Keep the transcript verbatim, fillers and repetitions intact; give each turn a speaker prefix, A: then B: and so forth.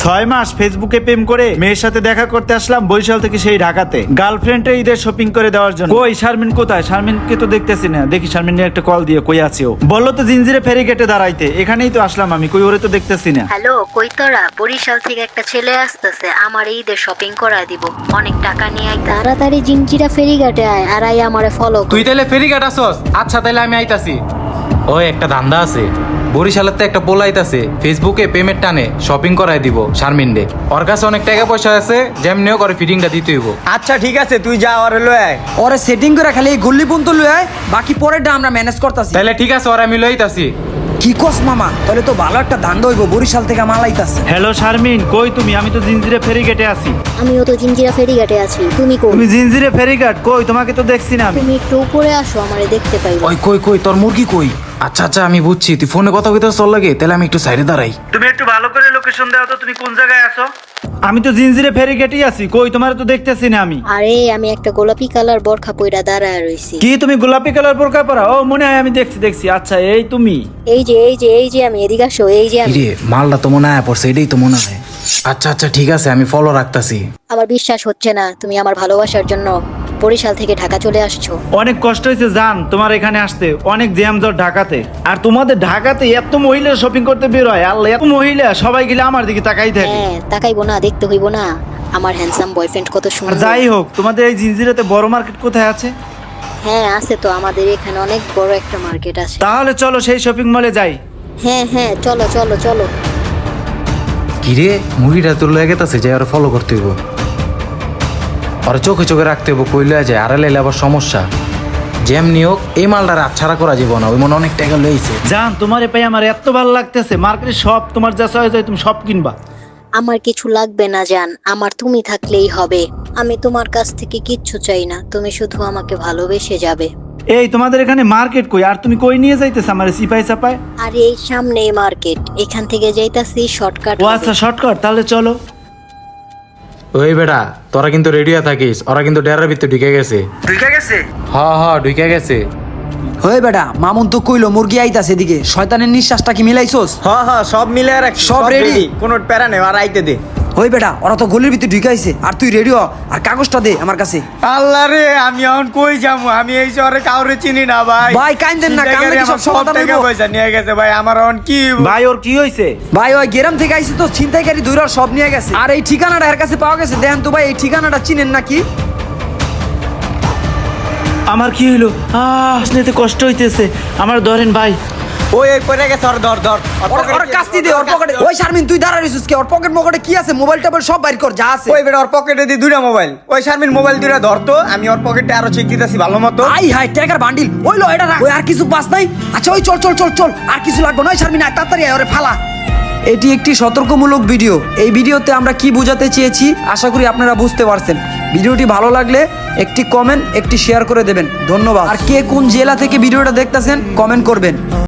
A: ছয় মাস ফেসবুকে প্রেম করে মেয়ের সাথে দেখা করতে আসলাম বরিশাল থেকে সেই ঢাকাতে গার্লফ্রেন্ডে ঈদের শপিং করে দেওয়ার জন্য। কই শারমিন কোথায়? শারমিনকে তো দেখতেছি না। দেখি শারমিনের একটা কল দিয়ে কই আছে ও। বললো তো জিঞ্জিরে ফেরি গেটে দাঁড়াইতে, এখানেই তো আসলাম আমি। কই ওরে তো দেখতেছি না।
B: হ্যালো, কই তোরা? বরিশাল থেকে একটা ছেলে আসতেছে, আমার ঈদের শপিং করায় দিব, অনেক টাকা নিয়ে আয়। তাড়াতাড়ি জিঞ্জিরা ফেরিঘাটে আয় আর আই আমারে ফলো কর।
C: তুই তাহলে ফেরিঘাট আসস? আচ্ছা তাহলে আমি আইতাছি। ওই একটা ধান্দা আছে, বরিশালের তো একটা পোলাইতাছে ফেসবুকে পেমেন্ট টানে শপিং করাই দিব শারমিনডে। ওর কাছে অনেক টাকা পয়সা আছে, যেমনিও করে ফিটিংটা দিতে হইব।
D: আচ্ছা ঠিক আছে, তুই যা ওরে লয় আয়।
E: ওরে সেটিং করে খালি এই গল্লি পর্যন্ত লয়ে আয়, বাকি পরেরটা আমরা ম্যানেজ করতেছি।
C: তাহলে ঠিক আছে, ওরা আমি লইতাছি।
E: কি কস মামা? তাহলে তো ভালো একটা ধান্দা হইব, বরিশাল থেকে মাল আইতাছে।
A: হ্যালো শারমিন, কই তুমি? আমি তো জিঞ্জিরে ফেরি গেটে আছি।
B: আমিও তো জিঞ্জিরা ফেরিঘাটে আছি, তুমি কই?
A: তুমি জিঞ্জিরে ফেরিঘাট কই? তোমাকে তো দেখছি না আমি।
B: তুমি একটু উপরে আসো, আমারে দেখতে পাইবা।
C: ওই কই কই তোর মুরগি কই? আচ্ছা আচ্ছা আমি বুঝছি, তুই ফোনে কথা কইতে চল লাগে, তাহলে আমি একটু সাইডে দাঁড়াই।
A: তুমি একটু ভালো করে লোকেশন দাও তো, তুমি কোন জায়গায় আছো? আমি তো জিঞ্জিরে ফেরি গেটেই আছি। কই তোমার তো দেখতেছি না আমি।
B: আরে আমি একটা গোলাপি কালার বরখা পইরা দাঁড়ায় রইছি।
A: কি তুমি গোলাপি কালার বোরকা পরা? ও মনে হয় আমি দেখছি দেখছি। আচ্ছা এই তুমি?
B: এই যে এই যে এই যে আমি, এদিকে আসো, এই যে আমি।
C: রে মালটা তো মনে হয় পড়ছে, এটাই তো মনে হয়। আচ্ছা আচ্ছা ঠিক আছে, আমি ফলো রাখতাছি।
B: আমার বিশ্বাস হচ্ছে না তুমি আমার ভালোবাসার জন্য বরিশাল থেকে ঢাকা চলে আসছো।
A: অনেক কষ্ট হয়েছে জান তোমার এখানে আসতে, অনেক জ্যাম জট ঢাকাতে। আর তোমাদের ঢাকাতে এত মহিলা শপিং করতে বের হয়, আল্লাহ এত মহিলা, সবাই গেলে আমার দিকে তাকাই থাকে।
B: হ্যাঁ, তাকাইবো না? দেখতে হইব না আমার হ্যান্ডসাম বয়ফ্রেন্ড কত
A: আর
B: সুন্দর।
A: যাই হোক, তোমাদের এই জিঞ্জিরাতে বড় মার্কেট কোথায় আছে?
B: হ্যাঁ আছে তো, আমাদের এখানে অনেক বড় একটা মার্কেট আছে।
A: তাহলে চলো সেই শপিং মলে যাই।
B: হ্যাঁ হ্যাঁ চলো চলো চলো।
C: কিরে মুরগিটা তোর লয়ে গেতাছে, যাই ওরা ফলো করতে হইব। ওরা চোখে চোখে রাখতে হইব, কই লয়ে যায়, আড়ালে এলে আবার সমস্যা। যেমনি হোক এই মালটার আচ্ছাড়া করা যাব না, ওই মনে অনেক টাকা লইছে।
A: জান তোমার পাই আমার এত ভালো লাগতেছে, মার্কেটে সব তোমার যা চয়েস হয় তুমি সব কিনবা।
B: আমার কিছু লাগবে না জান, আমার তুমি থাকলেই হবে। আমি তোমার কাছ থেকে কিচ্ছু চাই না, তুমি শুধু আমাকে ভালোবেসে যাবে।
A: এই তোমাদের এখানে মার্কেট কই? আর তুমি কই নিয়ে যাইতেছ আমার সিপাই সাপায়?
B: আর এই সামনেই মার্কেট, এখান থেকে যাইতাছি শর্টকাট।
A: ও আচ্ছা শর্টকাট, তাহলে চলো।
C: ওই বেটা তোরা কিন্তু রেডিও থাকিস, ওরা কিন্তু ডেরার ভিতরে ঢুকে গেছে।
D: ঢুকে গেছে?
C: হ হ ঢুকে গেছে।
E: হয়ে বেটা, মামুন তো কইলো মুরগি আইতাছে এদিকে। শয়তানের নিঃশ্বাসটা কি মিলাইছোস?
D: হ হ সব মিলে রাখ,
E: সব ready?
D: কোনো প্যারা নেই, আর আইতে দে।
E: হই বেটা, ওরা তো গলির ভিতরে ঢুকাইছে, আর তুই রেডি হ, আর কাগজটা দে আমার কাছে।
D: আল্লাহ রে, আমি এখন কই যাবো? আমি এই শহরে কাউরে চিনি না ভাই।
E: ভাই কাইন্দেন না, কান্দে কি সব
D: সব
E: সমাধান
D: টাকা
E: হইব?
D: পয়সা নিয়ে গেছে ভাই, আমার এখন কি?
A: ভাই ওর কি হয়েছে?
E: ভাই ওই গ্রাম থেকে আইছে তো, ছিনতাইকারী দুইরা সব নিয়ে গেছে। আর এই ঠিকানাটা এর কাছে পাওয়া গেছে। দেখেন তো ভাই, এই ঠিকানাটা চিনেন নাকি?
A: আমার কি হইলো? আহ নিতে কষ্ট হইতেছে আমার, ধরেন ভাই।
D: ওই ওই পড়ে গেছে, ওর ধর ধর।
E: ওর ওর কাস্তি দে, ওর পকেটে। ওই শারমিন তুই দাঁড়া রইছিস কে? ওর পকেট মকেটে কি আছে? মোবাইল টোবাইল সব বাইর কর যা আছে।
D: ওই বেটা ওর পকেটে দি দুইটা মোবাইল। ওই শারমিন মোবাইল দুইটা ধরতো, আমি ওর পকেটে আরো চেক দিতেছি ভালো মতো।
E: আই হাই টাকার বান্ডিল। ওই লো এটা রাখ। ওই আর কিছু বাস নাই? আচ্ছা ওই চল চল চল চল, আর কিছু লাগবে না। ওই শারমিন আয় তাড়াতাড়ি আয়, ওরে ফালা। এটি একটি সতর্কমূলক ভিডিও। এই ভিডিওতে আমরা কি বোঝাতে চেয়েছি আশা করি আপনারা বুঝতে পারছেন। ভিডিওটি ভালো লাগলে একটি কমেন্ট, একটি শেয়ার করে দেবেন। ধন্যবাদ। আর কে কোন জেলা থেকে ভিডিওটা দেখতেছেন কমেন্ট করবেন।